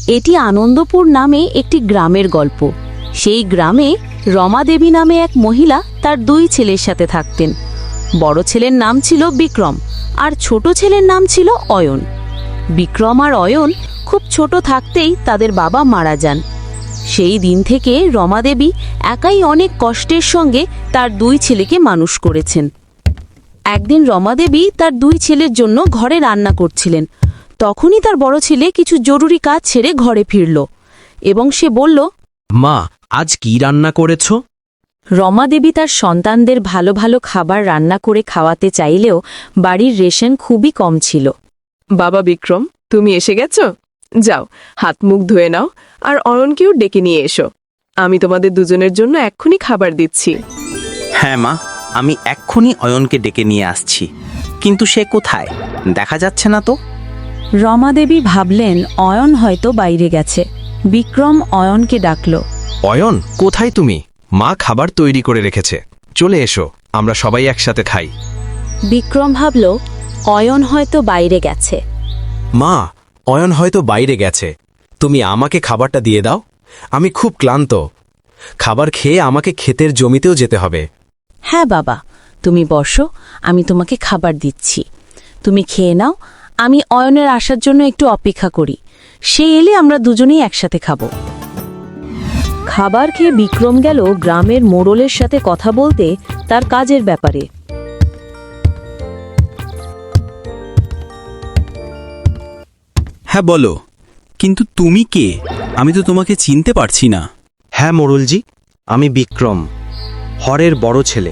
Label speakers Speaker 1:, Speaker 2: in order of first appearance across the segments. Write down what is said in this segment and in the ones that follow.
Speaker 1: এটি আনন্দপুর নামে একটি গ্রামের গল্প। সেই গ্রামে রমা দেবী নামে এক মহিলা তার দুই ছেলের সাথে থাকতেন। বড় ছেলের নাম ছিল বিক্রম আর ছোট ছেলের নাম ছিল অয়ন। বিক্রম আর অয়ন খুব ছোট থাকতেই তাদের বাবা মারা যান। সেই দিন থেকে রমা দেবী একাই অনেক কষ্টের সঙ্গে তার দুই ছেলেকে মানুষ করেছেন। একদিন রমা দেবী তার দুই ছেলের জন্য ঘরে রান্না করছিলেন। তখনই তার বড় ছেলে কিছু জরুরি কাজ ছেড়ে ঘরে ফিরল এবং সে বলল,
Speaker 2: মা, আজ কি রান্না করেছ?
Speaker 1: রমা দেবী তার সন্তানদের ভালো ভালো খাবার রান্না করে খাওয়াতে চাইলেও বাড়ির রেশন খুবই কম ছিল।
Speaker 3: বাবা বিক্রম, তুমি এসে গেছো? যাও, হাত মুখ ধুয়ে নাও আর অয়নকেও ডেকে নিয়ে এসো। আমি তোমাদের দুজনের জন্য এক্ষুনি খাবার দিচ্ছি।
Speaker 2: হ্যাঁ মা, আমি এক্ষুনি অয়নকে ডেকে নিয়ে আসছি, কিন্তু সে কোথায়? দেখা যাচ্ছে না তো।
Speaker 1: রমা দেবী ভাবলেন অয়ন হয়তো বাইরে গেছে। বিক্রম অয়নকে ডাকল।
Speaker 4: অয়ন, কোথায় তুমি? মা খাবার তৈরি করে রেখেছে, চলে এসো, আমরা সবাই একসাথে খাই।
Speaker 1: বিক্রম ভাবল অয়ন হয়তো বাইরে গেছে।
Speaker 4: মা, অয়ন হয়তো বাইরে গেছে, তুমি আমাকে খাবারটা দিয়ে দাও। আমি খুব ক্লান্ত, খাবার খেয়ে আমাকে ক্ষেতের জমিতেও যেতে হবে।
Speaker 1: হ্যাঁ বাবা, তুমি বসো, আমি তোমাকে খাবার দিচ্ছি। তুমি খেয়ে নাও, আমি অয়নের আসার জন্য একটু অপেক্ষা করি। সে এলে আমরা দুজনেই একসাথে খাব। খাবার খেয়ে বিক্রম গেল গ্রামের মোড়লের সাথে কথা বলতে তার কাজের ব্যাপারে।
Speaker 5: হ্যাঁ বলো, কিন্তু তুমি কে? আমি তো তোমাকে চিনতে পারছি না।
Speaker 2: হ্যাঁ মোড়লজি, আমি বিক্রম, হরের বড় ছেলে।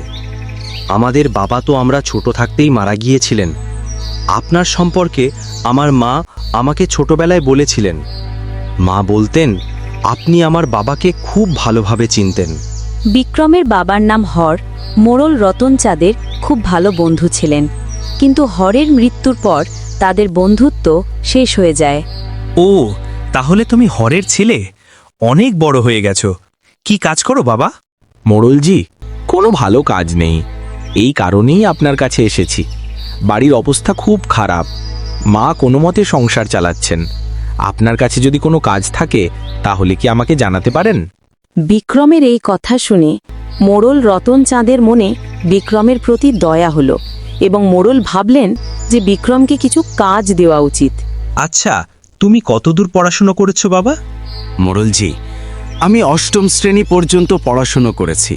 Speaker 2: আমাদের বাবা তো আমরা ছোট থাকতেই মারা গিয়েছিলেন। আপনার সম্পর্কে আমার মা আমাকে ছোটবেলায় বলেছিলেন। মা বলতেন আপনি আমার বাবাকে খুব ভালোভাবে চিনতেন।
Speaker 1: বিক্রমের বাবার নাম হর। মোড়ল রতন চাঁদের খুব ভালো বন্ধু ছিলেন, কিন্তু হরের মৃত্যুর পর তাদের বন্ধুত্ব শেষ হয়ে যায়।
Speaker 5: ও, তাহলে তুমি হরের ছেলে? অনেক বড় হয়ে গেছো। কি কাজ করো বাবা?
Speaker 4: মোড়লজি, কোনো ভালো কাজ নেই, এই কারণেই আপনার কাছে এসেছি। বাড়ির অবস্থা খুব খারাপ, মা কোনো মতে সংসার চালাচ্ছেন। আপনার কাছে যদি কোনো কাজ থাকে তাহলে কি আমাকে জানাতে পারেন?
Speaker 1: বিক্রমের এই কথা শুনে মোড়ল রতন চাঁদের মনে বিক্রমের প্রতি দয়া হলো এবং মোড়ল ভাবলেন যে বিক্রমকে কিছু কাজ দেওয়া উচিত।
Speaker 5: আচ্ছা, তুমি কতদূর পড়াশোনা করেছো বাবা?
Speaker 6: মোড়লজি, আমি অষ্টম শ্রেণী পর্যন্ত পড়াশুনো করেছি।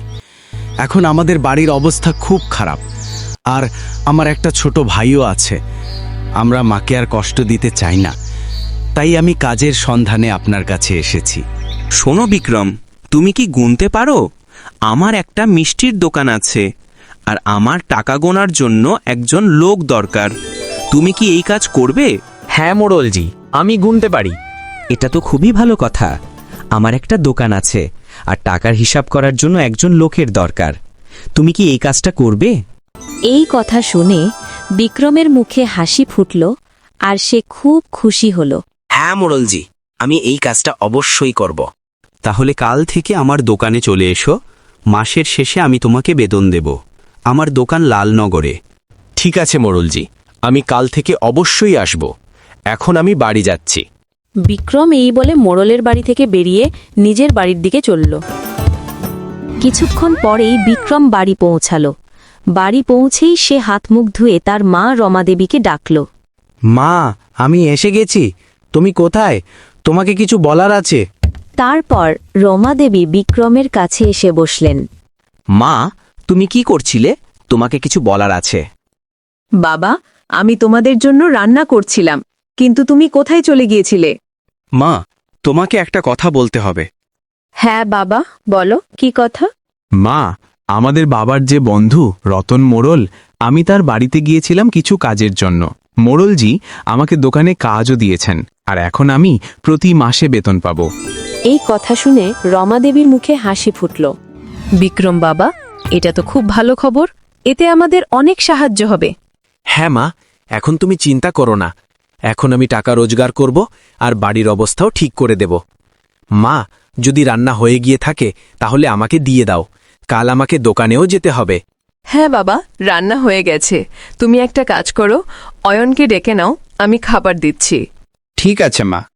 Speaker 6: এখন আমাদের বাড়ির অবস্থা খুব খারাপ, আর আমার একটা ছোট ভাইও আছে। আমরা মাকে আর কষ্ট দিতে চাই না, তাই আমি কাজের সন্ধানে আপনার কাছে এসেছি।
Speaker 5: শোনো বিক্রম, তুমি কি গুনতে পারো? আমার একটা মিষ্টির দোকান আছে, আর আমার টাকা গোনার জন্য একজন লোক দরকার। তুমি কি এই কাজ করবে?
Speaker 2: হ্যাঁ মোড়লজি, আমি গুনতে পারি। এটা তো খুবই ভালো কথা। আমার একটা দোকান আছে, আর টাকার হিসাব করার জন্য একজন লোকের দরকার। তুমি কি এই কাজটা করবে?
Speaker 1: এই কথা শুনে বিক্রমের মুখে হাসি ফুটল আর সে খুব খুশি হল।
Speaker 2: হ্যাঁ মোড়লজি, আমি এই কাজটা অবশ্যই করব।
Speaker 5: তাহলে কাল থেকে আমার দোকানে চলে এসো। মাসের শেষে আমি তোমাকে বেতন দেব। আমার দোকান লালনগরে।
Speaker 4: ঠিক আছে মোড়লজি, আমি কাল থেকে অবশ্যই আসব। এখন আমি বাড়ি যাচ্ছি।
Speaker 1: বিক্রম এই বলে মোড়লের বাড়ি থেকে বেরিয়ে নিজের বাড়ির দিকে চলল। কিছুক্ষণ পরেই বিক্রম বাড়ি পৌঁছালো। বাড়ি পৌঁছেই সে হাত মুখ ধুয়ে তার মা রমা দেবীকে ডাকল।
Speaker 6: মা, আমি এসে গেছি, তুমি কোথায়? তোমাকে কিছু বলার আছে।
Speaker 1: তারপর রমা দেবী বিক্রমের কাছে এসে বসলেন।
Speaker 2: মা, তুমি কি করছিলে? তোমাকে কিছু বলার আছে।
Speaker 3: বাবা, আমি তোমাদের জন্য রান্না করছিলাম, কিন্তু তুমি কোথায় চলে গিয়েছিলে?
Speaker 6: মা, তোমাকে একটা কথা বলতে হবে।
Speaker 3: হ্যাঁ বাবা, বলো, কি কথা?
Speaker 7: মা, আমাদের বাবার যে বন্ধু রতন মোড়ল, আমি তার বাড়িতে গিয়েছিলাম কিছু কাজের জন্য। মোড়লজি আমাকে দোকানে কাজও দিয়েছেন, আর এখন আমি প্রতি মাসে বেতন পাব।
Speaker 1: এই কথা শুনে রমা দেবীর মুখে হাসি ফুটল।
Speaker 3: বিক্রম বাবা, এটা তো খুব ভালো খবর। এতে আমাদের অনেক সাহায্য হবে।
Speaker 4: হ্যাঁ মা, এখন তুমি চিন্তা করো না। এখন আমি টাকা রোজগার করব আর বাড়ির অবস্থাও ঠিক করে দেব। মা, যদি রান্না হয়ে গিয়ে থাকে তাহলে আমাকে দিয়ে দাও, কাল আমাকে দোকানেও যেতে হবে।
Speaker 3: হ্যাঁ বাবা, রান্না হয়ে গেছে। তুমি একটা কাজ করো, অয়নকে ডেকে নাও, আমি খাবার দিচ্ছি।
Speaker 6: ঠিক আছে মা।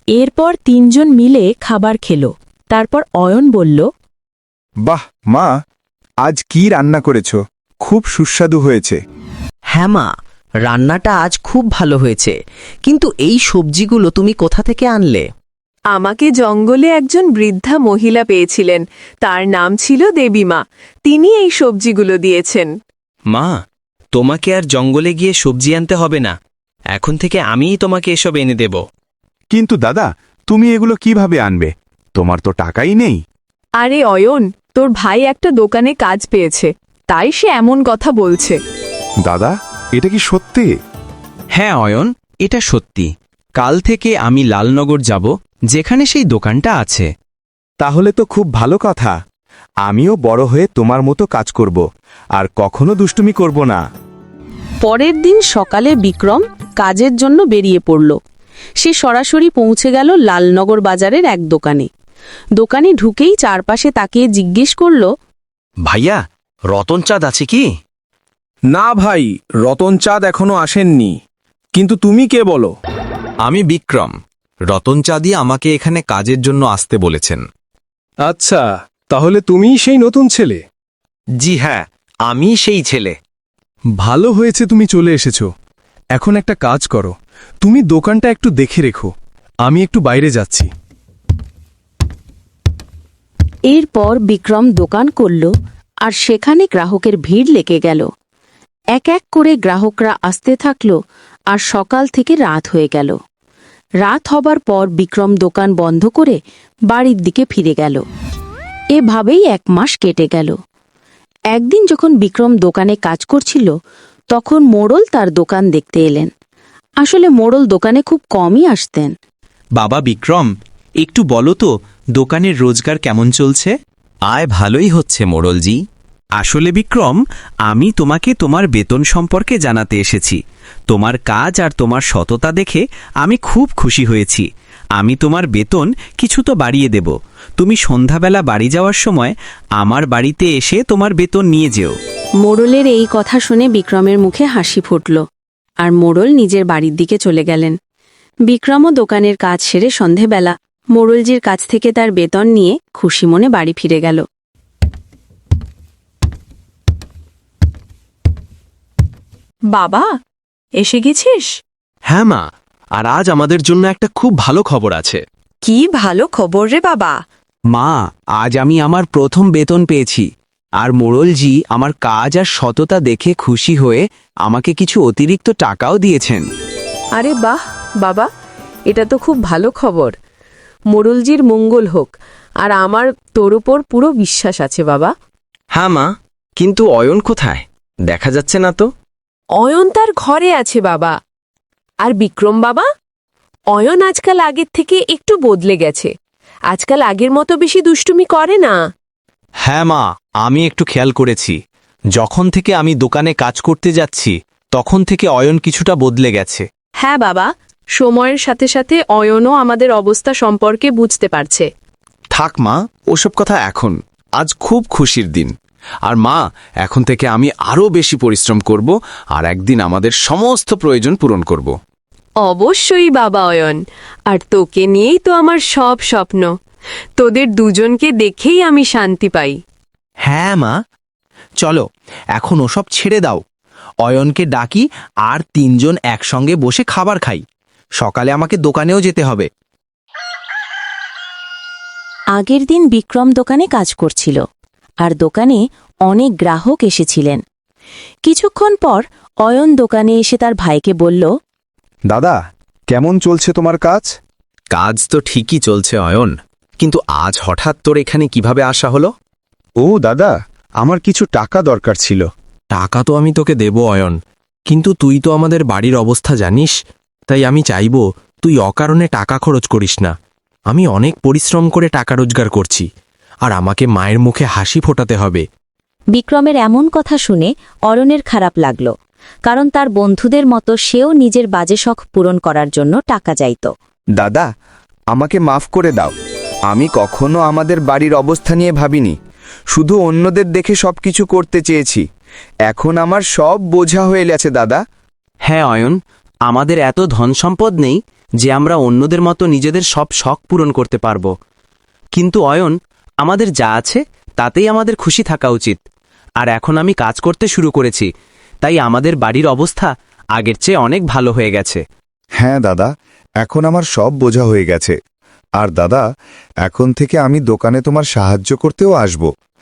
Speaker 1: এরপর তিনজন মিলে খাবার খেল। তারপর অয়ন বলল,
Speaker 8: বাহ মা, আজ কি রান্না করেছো? খুব সুস্বাদু হয়েছে।
Speaker 2: হ্যাঁ মা, রান্নাটা আজ খুব ভালো হয়েছে, কিন্তু এই সবজিগুলো তুমি কোথা থেকে আনলে?
Speaker 3: আমাকে জঙ্গলে একজন বৃদ্ধা মহিলা পেয়েছিলেন, তার নাম ছিল দেবীমা। তিনি এই সবজিগুলো দিয়েছেন।
Speaker 5: মা, তোমাকে আর জঙ্গলে গিয়ে সবজি আনতে হবে না, এখন থেকে আমিই তোমাকে এসব এনে দেব।
Speaker 8: কিন্তু দাদা, তুমি এগুলো কিভাবে আনবে? তোমার তো টাকাই নেই।
Speaker 3: আরে অয়ন, তোর ভাই একটা দোকানে কাজ পেয়েছে, তাই সে এমন কথা বলছে।
Speaker 8: দাদা, এটা কি সত্যি?
Speaker 4: হ্যাঁ অয়ন, এটা সত্যি। কাল থেকে আমি লালনগর যাব, যেখানে সেই দোকানটা আছে।
Speaker 8: তাহলে তো খুব ভালো কথা। আমিও বড় হয়ে তোমার মতো কাজ করব, আর কখনো দুষ্টুমি করব না।
Speaker 1: পরের দিন সকালে বিক্রম কাজের জন্য বেরিয়ে পড়ল। সে সরাসরি পৌঁছে গেল লালনগর বাজারের এক দোকানে। দোকানে ঢুকেই চারপাশে তাকিয়ে জিজ্ঞেস করল,
Speaker 2: ভাইয়া, রতন চাঁদ আছে কি?
Speaker 9: না ভাই, রতন চাঁদ এখনো আসেননি। কিন্তু তুমি কে বলো?
Speaker 7: আমি বিক্রম। রতন চাঁদই আমাকে এখানে কাজের জন্য আসতে বলেছেন।
Speaker 9: আচ্ছা, তাহলে তুমিই সেই নতুন ছেলে।
Speaker 2: জি হ্যাঁ, আমি সেই ছেলে।
Speaker 9: ভালো হয়েছে তুমি চলে এসেছো। এখন একটা কাজ করো, তুমি দোকানটা একটু দেখে রেখো, আমি একটু বাইরে যাচ্ছি।
Speaker 1: এরপর বিক্রম দোকান করল, আর সেখানে গ্রাহকের ভিড় লেগে গেল। এক এক করে গ্রাহকরা আসতে থাকল, আর সকাল থেকে রাত হয়ে গেল। রাত হবার পর বিক্রম দোকান বন্ধ করে বাড়ির দিকে ফিরে গেল। এভাবেই 1 মাস কেটে গেল। একদিন যখন বিক্রম দোকানে কাজ করছিল, তখন মোড়ল তার দোকান দেখতে এলেন। আসলে মোড়ল দোকানে খুব কমই আসতেন।
Speaker 5: বাবা বিক্রম, একটু বলো তো দোকানের রোজগার কেমন চলছে?
Speaker 2: আয় ভালোই হচ্ছে মোড়লজি।
Speaker 5: আসলে বিক্রম, আমি তোমাকে তোমার বেতন সম্পর্কে জানাতে এসেছি। তোমার কাজ আর তোমার সততা দেখে আমি খুব খুশি হয়েছি। আমি তোমার বেতন কিছু তো বাড়িয়ে দেব। তুমি সন্ধ্যাবেলা বাড়ি যাওয়ার সময় আমার বাড়িতে এসে তোমার বেতন নিয়ে যেও।
Speaker 1: মোড়লের এই কথা শুনে বিক্রমের মুখে হাসি ফুটল, আর মোড়ল নিজের বাড়ির দিকে চলে গেলেন। বিক্রমও দোকানের কাজ সেরে সন্ধেবেলা মোড়লজির কাছ থেকে তার বেতন নিয়ে খুশি মনে বাড়ি ফিরে গেল।
Speaker 3: বাবা, এসে গেছিস?
Speaker 2: হ্যাঁ মা, আর আজ আমাদের জন্য একটা খুব ভালো খবর আছে।
Speaker 3: কি ভালো খবর রে বাবা!
Speaker 7: মা, আজ আমি আমার প্রথম বেতন পেয়েছি, আর মোড়লজি আমার কাজ আর সততা দেখে খুশি হয়ে আমাকে কিছু অতিরিক্ত টাকাও দিয়েছেন।
Speaker 3: আরে বাহ বাবা, এটা তো খুব ভালো খবর। মোড়লজির মঙ্গল হোক, আর আমার তোর উপর পুরো বিশ্বাস আছে বাবা।
Speaker 2: হ্যাঁ মা, কিন্তু অয়ন কোথায়? দেখা যাচ্ছে না তো।
Speaker 3: অয়ন তার ঘরে আছে বাবা। আর বিক্রম বাবা, অয়ন আজকাল আগের থেকে একটু বদলে গেছে। আজকাল আগের মতো বেশি দুষ্টুমি করে না।
Speaker 7: হ্যাঁ মা, আমি একটু খেয়াল করেছি। যখন থেকে আমি দোকানে কাজ করতে যাচ্ছি, তখন থেকে অয়ন কিছুটা বদলে গেছে।
Speaker 3: হ্যাঁ বাবা, সময়ের সাথে সাথে অয়নও আমাদের অবস্থা সম্পর্কে বুঝতে পারছে।
Speaker 6: থাক মা, ওসব কথা এখন। আজ খুব খুশির দিন। আর মা, এখন থেকে আমি আরও বেশি পরিশ্রম করব, আর একদিন আমাদের সমস্ত প্রয়োজন পূরণ করব।
Speaker 3: অবশ্যই বাবা অয়ন, আর তোকে নিয়েই তো আমার সব স্বপ্ন। তোদের দুজনকে দেখেই আমি শান্তি পাই।
Speaker 7: হ্যাঁ মা, চলো এখন ওসব ছেড়ে দাও। অয়নকে ডাকি, আর 3 জন একসঙ্গে বসে খাবার খাই। সকালে আমাকে দোকানেও যেতে হবে।
Speaker 1: আগের দিন বিক্রম দোকানে কাজ করছিল, আর দোকানে অনেক গ্রাহক এসেছিলেন। কিছুক্ষণ পর অয়ন দোকানে এসে তার ভাইকে বলল,
Speaker 8: দাদা, কেমন চলছে তোমার কাজ?
Speaker 2: কাজ তো ঠিকই চলছে অয়ন, কিন্তু আজ হঠাৎ তোর এখানে কিভাবে আসা হলো?
Speaker 8: ও দাদা, আমার কিছু টাকা দরকার ছিল।
Speaker 7: টাকা তো আমি তোকে দেব অয়ন, কিন্তু তুই তো আমাদের বাড়ির অবস্থা জানিস, তাই আমি চাইব তুই অকারণে টাকা খরচ করিস না। আমি অনেক পরিশ্রম করে টাকা রোজগার করছি, আর আমাকে মায়ের মুখে হাসি ফোটাতে হবে।
Speaker 1: বিক্রমের এমন কথা শুনে অরণের খারাপ লাগল, কারণ তার বন্ধুদের মতো সেও নিজের বাজে শখ পূরণ করার জন্য টাকা চাইত।
Speaker 8: দাদা, আমাকে মাফ করে দাও। আমি কখনো আমাদের বাড়ির অবস্থা নিয়ে ভাবিনি, শুধু অন্যদের দেখে সবকিছু করতে চেয়েছি। এখন আমার সব বোঝা হয়ে গেছে দাদা।
Speaker 2: হ্যাঁ অয়ন, আমাদের এত ধন সম্পদ নেই যে আমরা অন্যদের মতো নিজেদের সব শখ পূরণ করতে পারব। কিন্তু অয়ন, আমাদের যা আছে তাতেই আমাদের খুশি থাকা উচিত। আর এখন আমি কাজ করতে শুরু করেছি, তাই আমাদের বাড়ির অবস্থা আগের চেয়ে অনেক ভালো হয়ে গেছে।
Speaker 8: হ্যাঁ দাদা, এখন আমার সব বোঝা হয়ে গেছে। আর দাদা, এখন থেকে আমি দোকানে তোমার সাহায্য করতেও আসব।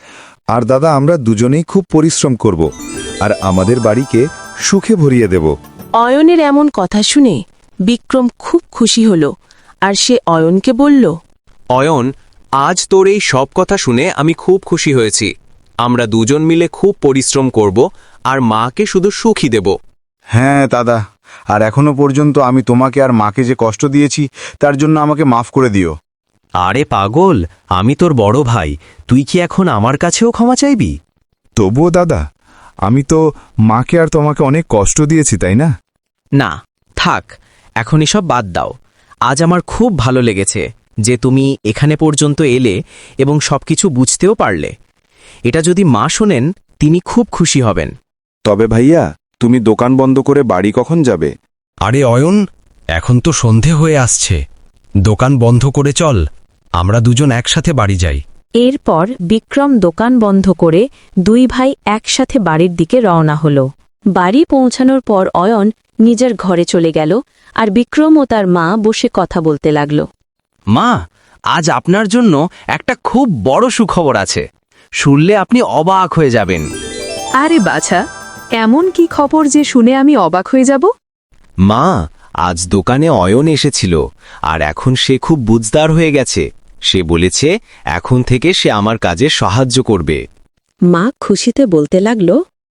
Speaker 8: আর দাদা, আমরা দুজনেই খুব পরিশ্রম করব আর আমাদের বাড়িকে সুখে ভরিয়ে দেব।
Speaker 3: অয়নের এমন কথা শুনে বিক্রম খুব খুশি হল আর সে অয়নকে বলল,
Speaker 2: অয়ন, আজ তোর এই সব কথা শুনে আমি খুব খুশি হয়েছি। আমরা দুজন মিলে খুব পরিশ্রম করব আর মাকে শুধু সুখই দেব।
Speaker 8: হ্যাঁ দাদা, আর এখনো পর্যন্ত আমি তোমাকে আর মাকে যে কষ্ট দিয়েছি তার জন্য আমাকে মাফ করে দিও।
Speaker 2: আরে পাগল, আমি তোর বড় ভাই, তুই কি এখন আমার কাছেও ক্ষমা চাইবি?
Speaker 8: তবুও দাদা, আমি তো মাকে আর তোমাকে অনেক কষ্ট দিয়েছি, তাই না?
Speaker 2: না, থাক, এখন এসব বাদ দাও। আজ আমার খুব ভালো লেগেছে যে তুমি এখানে পর্যন্ত এলে এবং সবকিছু বুঝতেও পারলে। এটা যদি মা শোনেন, তিনি খুব খুশি হবেন।
Speaker 8: তবে ভাইয়া, তুমি দোকান বন্ধ করে বাড়ি কখন যাবে?
Speaker 5: আরে অয়ন, এখন তো সন্ধে হয়ে আসছে, দোকান বন্ধ করে চল, আমরা দুজন একসাথে বাড়ি যাই।
Speaker 1: এরপর বিক্রম দোকান বন্ধ করে দুই ভাই একসাথে বাড়ির দিকে রওনা হল। বাড়ি পৌঁছানোর পর অয়ন নিজের ঘরে চলে গেল আর বিক্রম ও তার মা বসে কথা বলতে লাগল।
Speaker 2: মা, আজ আপনার জন্য একটা খুব বড় সুখবর আছে। শুনলে আপনি অবাক হয়ে যাবেন।
Speaker 3: আরে বাছা, এমন কি খবর যে শুনে আমি অবাক হয়ে যাব?
Speaker 2: মা, আজ দোকানে অয়ন এসেছিল আর এখন সে খুব বুঝদার হয়ে গেছে। সে বলেছে এখন থেকে সে আমার কাজে সাহায্য করবে।
Speaker 1: মা খুশিতে বলতে লাগল,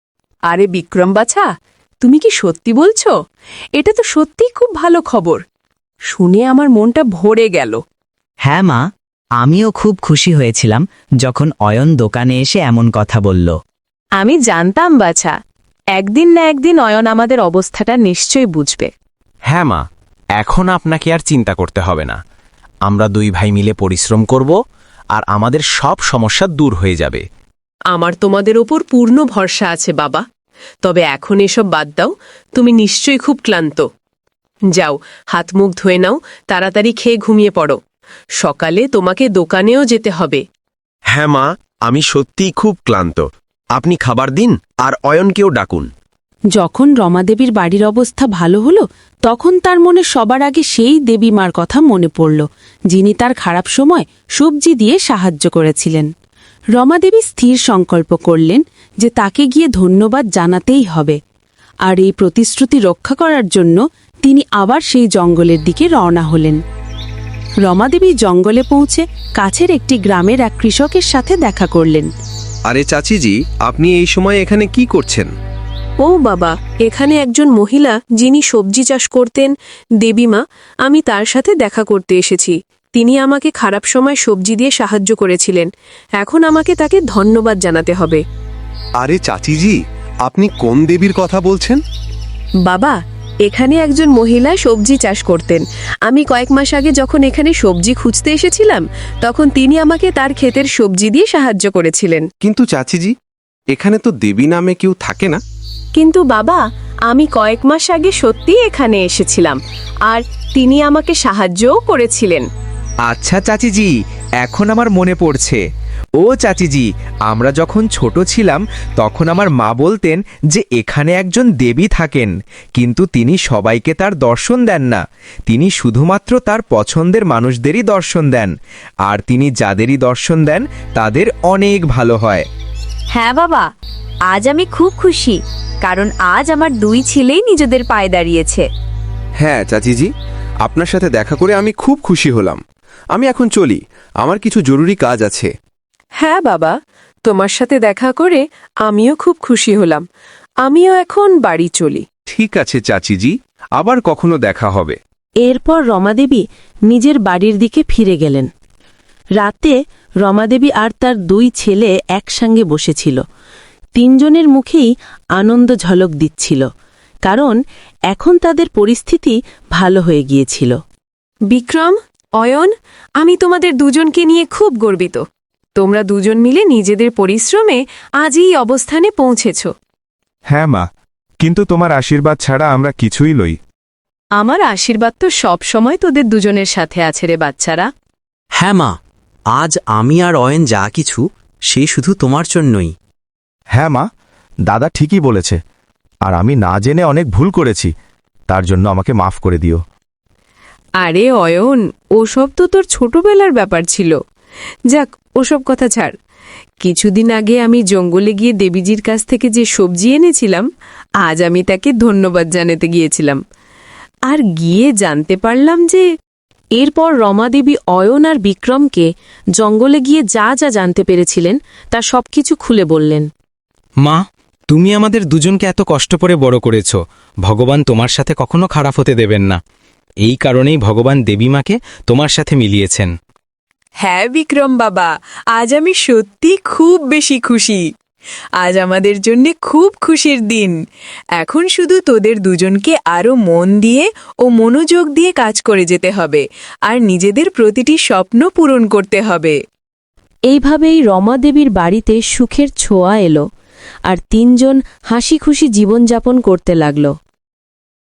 Speaker 3: আরে বিক্রম বাছা, তুমি কি সত্যি বলছো? এটা তো সত্যিই খুব ভালো খবর। শুনে আমার মনটা ভরে গেল।
Speaker 10: হ্যাঁ মা, আমিও খুব খুশি হয়েছিলাম যখন অয়ন দোকানে এসে এমন কথা বলল।
Speaker 3: আমি জানতাম বাছা, একদিন না একদিন অয়ন আমাদের অবস্থাটা নিশ্চয়ই বুঝবে।
Speaker 2: হ্যাঁ মা, এখন আপনাকে আর চিন্তা করতে হবে না। আমরা দুই ভাই মিলে পরিশ্রম করব আর আমাদের সব সমস্যা দূর হয়ে যাবে।
Speaker 3: আমার তোমাদের ওপর পূর্ণ ভরসা আছে বাবা। তবে এখন এসব বাদ দাও, তুমি নিশ্চয়ই খুব ক্লান্ত। যাও, হাত মুখ ধুয়ে নাও, তাড়াতাড়ি খেয়ে ঘুমিয়ে পড়ো। সকালে তোমাকে দোকানেও যেতে হবে।
Speaker 11: হ্যাঁ মা, আমি সত্যিই খুব ক্লান্ত। আপনি খাবার দিন আর অয়নকেও ডাকুন।
Speaker 1: যখন রমাদেবীর বাড়ির অবস্থা ভালো হলো, তখন তার মনে সবার আগে সেই দেবীমার কথা মনে পড়ল, যিনি তার খারাপ সময় সবজি দিয়ে সাহায্য করেছিলেন। রমাদেবী স্থির সংকল্প করলেন যে তাকে গিয়ে ধন্যবাদ জানাতেই হবে, আর এই প্রতিশ্রুতি রক্ষা করার জন্য তিনি আবার সেই জঙ্গলের দিকে রওনা হলেন। রমাদেবী জঙ্গলে পৌঁছে কাছের একটি গ্রামের এক কৃষকের সাথে দেখা করলেন।
Speaker 11: আরে চাচিজি, আপনি এই সময় এখানে কি করছেন?
Speaker 3: ও বাবা, এখানে একজন মহিলা যিনি সবজি চাষ করতেন, দেবীমা, আমি তার সাথে দেখা করতে এসেছি। তিনি আমাকে খারাপ সময় সবজি দিয়ে সাহায্য করেছিলেন। এখন আমাকে তাকে ধন্যবাদ জানাতে হবে।
Speaker 11: আরে চাচিজি, আপনি কোন দেবীর কথা বলছেন?
Speaker 3: বাবা, এখানে একজন মহিলা সবজি চাষ করতেন। আমি কয়েক মাস আগে যখন এখানে সবজি খুঁজতে এসেছিলাম, তখন তিনি আমাকে তার ক্ষেতের সবজি দিয়ে সাহায্য করেছিলেন।
Speaker 11: কিন্তু চাচিজি, এখানে তো দেবী নামে কেউ থাকে না।
Speaker 3: কিন্তু বাবা, আমি কয়েক মাস আগে সত্যিই এখানে এসেছিলাম আর তিনি আমাকে সাহায্যও করেছিলেন।
Speaker 4: আচ্ছা চাচিজি, এখন আমার মনে পড়ছে। ও চাচিজি, আমরা যখন ছোট ছিলাম তখন আমার মা বলতেন যে এখানে একজন দেবী থাকেন, কিন্তু তিনি সবাইকে তার দর্শন দেন না। তিনি শুধুমাত্র তার পছন্দের মানুষদেরই দর্শন দেন, আর তিনি যাদেরই দর্শন দেন তাদের অনেক ভালো হয়।
Speaker 1: হ্যাঁ বাবা, আজ আমি খুব খুশি, কারণ আজ আমার দুই ছেলেই নিজেদের পায়ে দাঁড়িয়েছে।
Speaker 11: হ্যাঁ চাচিজি, আপনার সাথে দেখা করে আমি খুব খুশি হলাম। আমি এখন চলি, আমার কিছু জরুরি কাজ আছে।
Speaker 3: হ্যাঁ বাবা, তোমার সাথে দেখা করে আমিও খুব খুশি হলাম। আমিও এখন বাড়ি চলি।
Speaker 11: ঠিক আছে চাচিজি, আবার কখনো দেখা হবে।
Speaker 1: এরপর রমাদেবী নিজের বাড়ির দিকে ফিরে গেলেন। রাতে রমাদেবী আর তার দুই ছেলে একসঙ্গে বসেছিল। তিনজনের মুখেই আনন্দ ঝলক দিচ্ছিল, কারণ এখন তাদের পরিস্থিতি ভালো হয়ে গিয়েছিল।
Speaker 3: বিক্রম, অয়ন, আমি তোমাদের দুজনকে নিয়ে খুব গর্বিত। তোমরা দুজন মিলে নিজেদের পরিশ্রমে আজ এই অবস্থানে পৌঁছেছ।
Speaker 8: হ্যাঁ মা, কিন্তু তোমার আশীর্বাদ ছাড়া আমরা কিছুই লই।
Speaker 3: আমার আশীর্বাদ তো সব সময় তোদের দুজনের সাথে আছে রে বাচ্চারা।
Speaker 2: হ্যাঁ মা, আজ আমি আর অয়ন যা কিছু সে শুধু তোমার জন্যই।
Speaker 8: হ্যাঁ মা, দাদা ঠিকই বলেছে, আর আমি না জেনে অনেক ভুল করেছি, তার জন্য আমাকে মাফ করে দিও।
Speaker 3: আরে অয়ন, ওসব তো তোর ছোটবেলার ব্যাপার ছিল। যাক, ওসব কথা ছাড়। কিছুদিন আগে আমি জঙ্গলে গিয়ে দেবীজির কাছ থেকে যে সবজি এনেছিলাম, আজ আমি তাকে ধন্যবাদ জানাতে গিয়েছিলাম, আর গিয়ে জানতে পারলাম যে
Speaker 1: এরপর রমাদেবী অয়ন আর বিক্রমকে জঙ্গলে গিয়ে যা যা জানতে পেরেছিলেন তা সবকিছু খুলে বললেন।
Speaker 2: মা, তুমি আমাদের দুজনকে এত কষ্ট করে বড় করেছ, ভগবান তোমার সাথে কখনো খারাপ হতে দেবেন না। এই কারণেই ভগবান দেবীমাকে তোমার সাথে মিলিয়েছেন।
Speaker 3: হ্যাঁ বিক্রম বাবা, আজ আমি সত্যি খুব বেশি খুশি। আজ আমাদের জন্য খুব খুশির দিন। এখন শুধু তোদের দুজনকে আরো মন দিয়ে ও মনোযোগ দিয়ে কাজ করে যেতে হবে, আর নিজেদের প্রতিটি স্বপ্ন পূরণ করতে হবে।
Speaker 1: এইভাবেই রমাদেবীর বাড়িতে সুখের ছোঁয়া এলো, আর তিনজন হাসি খুশি জীবনযাপন করতে লাগল।